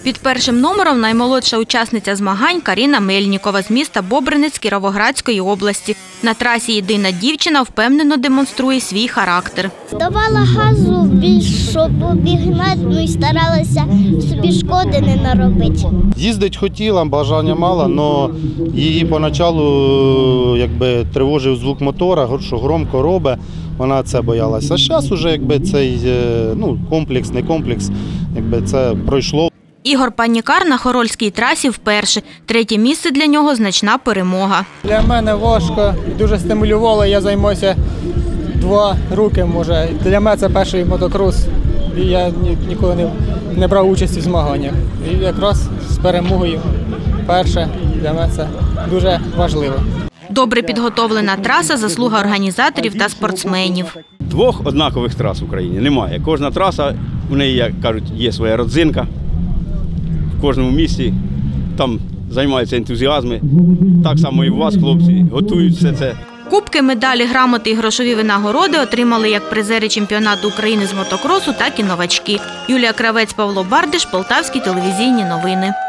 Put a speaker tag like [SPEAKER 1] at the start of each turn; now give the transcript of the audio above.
[SPEAKER 1] Під першим номером наймолодша учасниця змагань Каріна Мельнікова з міста Бобринець Кіровоградської області. На трасі єдина дівчина впевнено демонструє свій характер.
[SPEAKER 2] Давала газу більш, щоб обігнати, і старалася собі шкоди не наробити.
[SPEAKER 3] Їздить хотіла, бажання мала, але її поначалу тривожив звук мотора, що громко робить, вона це боялася. А зараз вже цей комплекс, не комплекс, це пройшло.
[SPEAKER 1] Ігор Панікар на Хорольській трасі вперше. Третє місце для нього – значна перемога.
[SPEAKER 4] Для мене важко, дуже стимулювало, я займаюся 2 роки, може. Для мене це перший мотокрос, і я ніколи не брав участі в змаганнях. І якраз з перемогою перше для мене це дуже важливо.
[SPEAKER 1] Добре підготовлена траса – заслуга організаторів та спортсменів.
[SPEAKER 5] 2 однакових трас в Україні немає. Кожна траса, в неї, як кажуть, є своя родзинка. В кожному місці там займаються ентузіазми. Так само і у вас, хлопці, готують все це.
[SPEAKER 1] Кубки, медалі, грамоти і грошові винагороди отримали як призери чемпіонату України з мотокросу, так і новачки. Юлія Кравець, Павло Бардиш, Полтавські телевізійні новини.